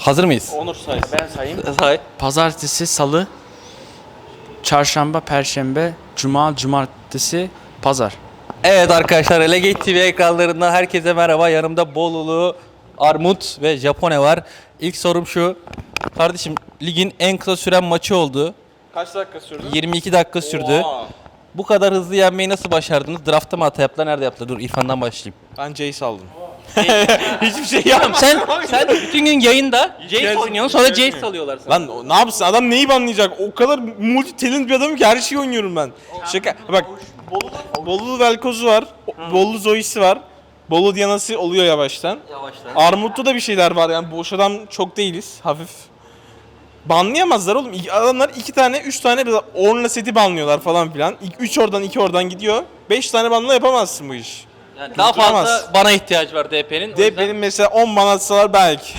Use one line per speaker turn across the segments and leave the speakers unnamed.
Hazır mıyız?
Onur say.
Ben sayayım.
Say.
Pazartesi, salı, çarşamba, perşembe, cuma, cumartesi, pazar.
Evet arkadaşlar, Elegate TV ekranlarından herkese merhaba. Yanımda Bolulu, Armut ve Japone var. İlk sorum şu. Kardeşim, ligin en kısa süren maçı oldu.
Kaç dakika sürdü?
22 dakika sürdü.
Oha.
Bu kadar hızlı yenmeyi nasıl başardınız? Draft'ta mı hata yaptılar? Nerede yaptılar? Dur İrfan'dan başlayayım.
Ben Jace aldım. Hiçbir şey yapmadım.
Sen bütün gün yayında Jace oynuyorsun, sonra Jace salıyorlar sana.
Lan ne yapsın? Adam neyi banlayacak? O kadar multi talent bir adamım ki her şeyi oynuyorum ben. Şaka. Bak. Bolulu Velkoz'u var. Bolulu Zoe'si var. Bolu Diana'sı oluyor yavaştan. Armut'ta da bir şeyler var yani boş adam çok değiliz. Hafif. Banlayamazlar oğlum. Adamlar 2 tane 3 tane Ornla seti banlıyorlar falan filan. 3 oradan 2 oradan gidiyor. 5 tane banla yapamazsın bu iş.
Yani daha fazla bana ihtiyaç var DP'nin.
De benim mesela 10 ban atsalar belki.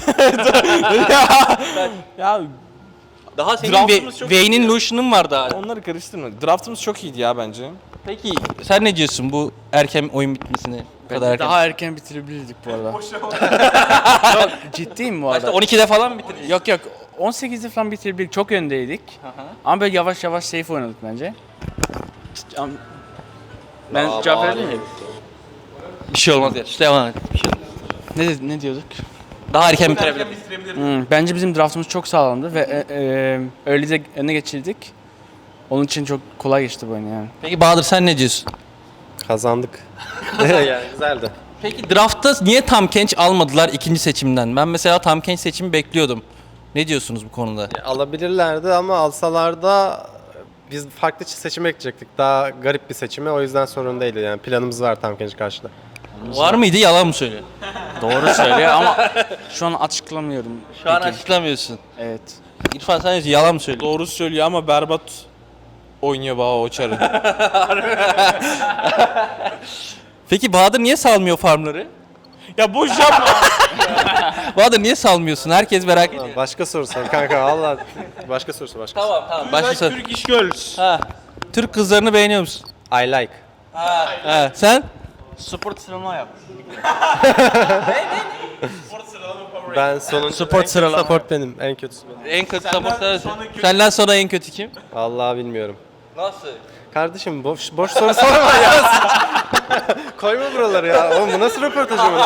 ya
Daha senin
Draft'ımız çok
Vayne'in
iyi.
Lucian'ın vardı hala.
onları karıştırma. Draftımız çok iyiydi ya bence.
Peki sen ne diyorsun bu erken oyun bitmesine? Bu kadar erken.
Daha erken bitirebilirdik bu arada. Yok, ciddiyim bu
Başta
arada.
12'de falan mı bitirdin?
Yok 18'de falan bitirdik. Çok öndeydik. Ama böyle yavaş yavaş safe oynadık bence. Ben cevap verebilir miyim?
Bir şey olmaz ya. İşte devam et. Bir şey olmaz.
Ne diyorduk?
Daha erken bitirebilir.
Bence bizim draftımız çok sağlamdı ve öyle de öne geçirdik. Onun için çok kolay geçti bu oyun yani.
Peki Bahadır sen ne diyorsun?
Kazandık. Yani güzeldi.
Peki draftta niye Tam Kench almadılar ikinci seçimden? Ben mesela Tam Kench seçimi bekliyordum. Ne diyorsunuz bu konuda?
Alabilirlerdi ama alsalar da biz farklı seçim ekleyecektik. Daha garip bir seçimi, o yüzden sorun değildi. Yani planımız var tam genç karşıda.
Var mıydı, yalan mı söylüyor?
Doğru söylüyor ama şu an açıklamıyorum.
Şu an
Peki.
açıklamıyorsun.
Evet.
İrfan sen diyorsun, yalan mı söylüyor?
Doğru söylüyor ama berbat oynuyor Baha o çarı.
Peki Bahadır niye salmıyor farmları?
Ya boş yapma.
Bahadır niye salmıyorsun? Herkes merak ediyor.
Başka soru sor kanka valla. Başka soru sor, başka.
Tamam. Başka sor.
Türk iş Girls.
Ha. Türk kızlarını beğeniyor musun?
I like.
Ha. Sen?
Spor sıralama yap.
Ben sonuncu.
Sport sıralama.
Support benim, en kötüsü benim.
En kötü support sensin. Senden sonra en kötü kim?
Vallahi bilmiyorum.
Nasıl?
Kardeşim boş soru sorma ya. Koyma buraları ya. Oğlum bu nasıl röportaj olur?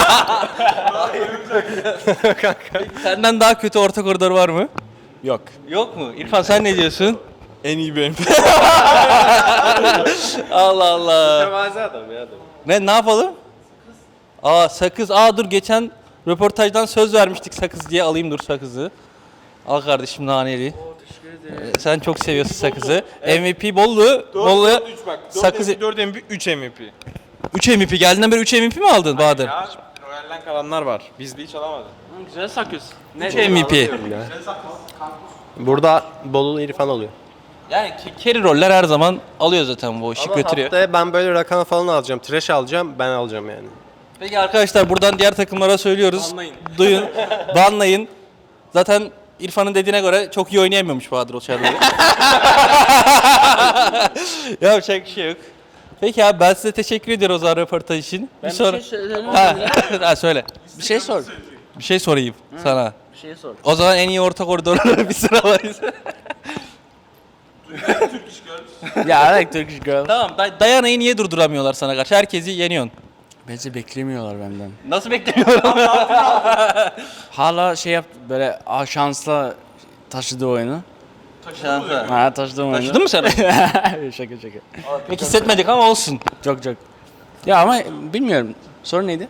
Senden daha kötü orta koridor var mı?
Yok.
Yok mu? İrfan sen ne diyorsun?
En iyi benim.
Allah Allah.
Mütevazi adam ya.
Ne yapalım? Sakız. Dur geçen röportajdan söz vermiştik sakız diye, alayım dur sakızı. Al kardeşim naneli. Sen çok seviyorsun sakızı. MVP Bollu. Bollu.
3 bak.
Sakız
4 MVP, 3 MVP.
3 MVP. Geldiğinden beri 3 MVP mi aldın Bahadır?
Ya Royal'den kalanlar var. Bizde hiç alamadı.
Güzel sakıyorsun.
3 MVP.
Burada Bolulu İrfan oluyor.
Yani carry roller her zaman alıyor zaten, bu işi
Ama
götürüyor.
haftaya ben böyle rakam falan alacağım. Trash alacağım, ben alacağım yani.
Peki arkadaşlar, buradan diğer takımlara söylüyoruz.
Banlayın.
Duyun, banlayın. Zaten İrfan'ın dediğine göre çok iyi oynayamıyormuş Bahadır o çarları. Yapacak bir şey yok. Peki abi, ben size teşekkür ediyorum o zaman röportaj için.
Ben bir şey söyleyeyim.
Ha, söyle.
Bir şey sor.
Bir şey sorayım sana.
Bir şey sor.
O zaman en iyi orta koridorları bir sıralayız.
Ya I like Turkish girl.
Tamam, Dayana'yı niye durduramıyorlar sana karşı? Herkesi yeniyorsun.
Bence beklemiyorlar benden.
Nasıl beklemiyorum?
Hala şey yap böyle şansla taşıdı oyunu.
Şansa.
Ha taşıdım oyunu.
Taşıdın mı sen?
Şaka.
Pek hissetmedik ama olsun.
Çok. Ya ama bilmiyorum. Soru neydi?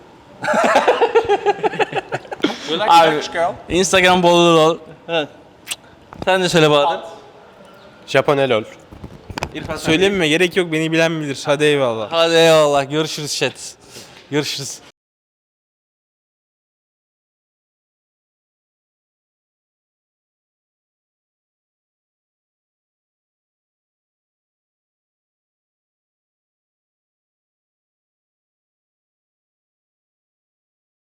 Abi, Instagram bol.
Evet. Sen de söyle Bahadır.
Japone lol.
İrfan
Söylememe gerek yok, beni bilen bilir. Hadi eyvallah.
Hadi eyvallah. Görüşürüz chat. Görüşürüz.